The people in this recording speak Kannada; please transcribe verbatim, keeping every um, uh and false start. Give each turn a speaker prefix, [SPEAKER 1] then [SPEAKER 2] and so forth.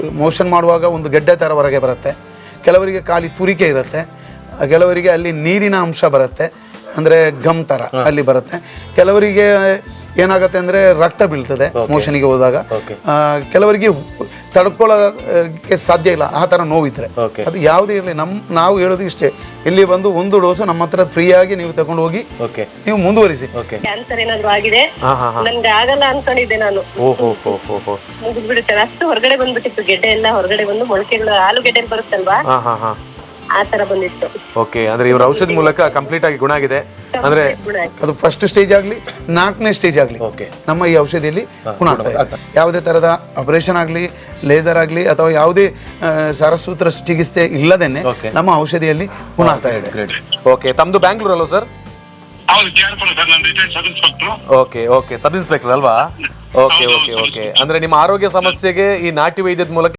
[SPEAKER 1] ಮೋಷನ್ ಮಾಡುವಾಗ ಒಂದು ಗೆಡ್ಡೆ ಥರ ಹೊರಗೆ ಬರುತ್ತೆ, ಕೆಲವರಿಗೆ ಖಾಲಿ ತುರಿಕೆ ಇರುತ್ತೆ, ಕೆಲವರಿಗೆ ಅಲ್ಲಿ ನೀರಿನ ಅಂಶ ಬರುತ್ತೆ, ಅಂದರೆ ಗಮ್ ಥರ ಅಲ್ಲಿ ಬರುತ್ತೆ, ಕೆಲವರಿಗೆ ಏನಾಗುತ್ತೆ ಅಂದರೆ ರಕ್ತ ಬೀಳ್ತದೆ ಮೋಷನಿಗೆ ಹೋದಾಗ, ಕೆಲವರಿಗೆ ತಡ್ಕೊಳ್ಳೋಕ್ಕೆ ಸಾಧ್ಯ ಇಲ್ಲ ಆ ಥರ ನೋವಿದ್ರೆ. ಅದು ಯಾವುದೇ ಇರಲಿ, ನಮ್ಮ ನಾವು ಹೇಳೋದು ಇಷ್ಟೇ, ಇಲ್ಲಿ ಬಂದು ಒಂದು ಡೋಸು ನಮ್ಮ ಹತ್ರ ಫ್ರೀಯಾಗಿ ನೀವು ತಗೊಂಡು ಹೋಗಿ ನೀವು ಮುಂದುವರಿಸಿ.
[SPEAKER 2] ಕ್ಯಾನ್ಸರ್ ಏನಾದ್ರು ಆಗಿದೆ, ನನ್ಗೆ ಆಗಲ್ಲ ಅನ್ಕೊಂಡಿದ್ದೆ ನಾನು, ಮುಗಿದ್ಬಿಡುತ್ತೆ ಅಷ್ಟು ಹೊರಗಡೆ ಬಂದ್ಬಿಟ್ಟಿತ್ತು, ಗೆಡ್ಡೆ ಎಲ್ಲ ಹೊರಗಡೆ ಬಂದು ಮೊಳಕೆಗಳು ಆಲೂಗೆಡ್ಡೆ ಬರುತ್ತಲ್ವಾ ಆ ತರ ಬಂದಿತ್ತು.
[SPEAKER 3] ಓಕೆ, ಅಂದ್ರೆ ಇವ್ರ ಔಷಧಿ ಮೂಲಕ ಕಂಪ್ಲೀಟ್ ಆಗಿ ಗುಣ ಆಗಿದೆ. ಅಂದ್ರೆ
[SPEAKER 1] ಅದು ಫಸ್ಟ್ ಸ್ಟೇಜ್ ಆಗಲಿ ನಾಲ್ಕನೇ ಸ್ಟೇಜ್ ಆಗಲಿ ನಮ್ಮ ಈ ಔಷಧಿಯಲ್ಲಿ ಗುಣ ಆಗ್ತಾ ಇದೆ. ಯಾವುದೇ ತರದ ಆಪರೇಷನ್ ಆಗಲಿ, ಲೇಸರ್ ಆಗಲಿ ಅಥವಾ ಯಾವುದೇ ಸರಸೂತ್ರ ಚಿಕಿತ್ಸೆ ಇಲ್ಲದೇನೆ ನಮ್ಮ ಔಷಧಿಯಲ್ಲಿ ಗುಣ ಆಗ್ತಾ ಇದೆ.
[SPEAKER 3] ಓಕೆ, ತಮ್ದು ಬ್ಯಾಂಗ್ಳೂರ್ ಅಲ್ವಾ sir? Okay okay, sub inspector ಅಲ್ವಾ? ಓಕೆ ಓಕೆ ಓಕೆ, ಅಂದ್ರೆ ನಿಮ್ಮ ಆರೋಗ್ಯ ಸಮಸ್ಯೆಗೆ ಈ ನಾಟಿ ವೈದ್ಯದ ಮೂಲಕ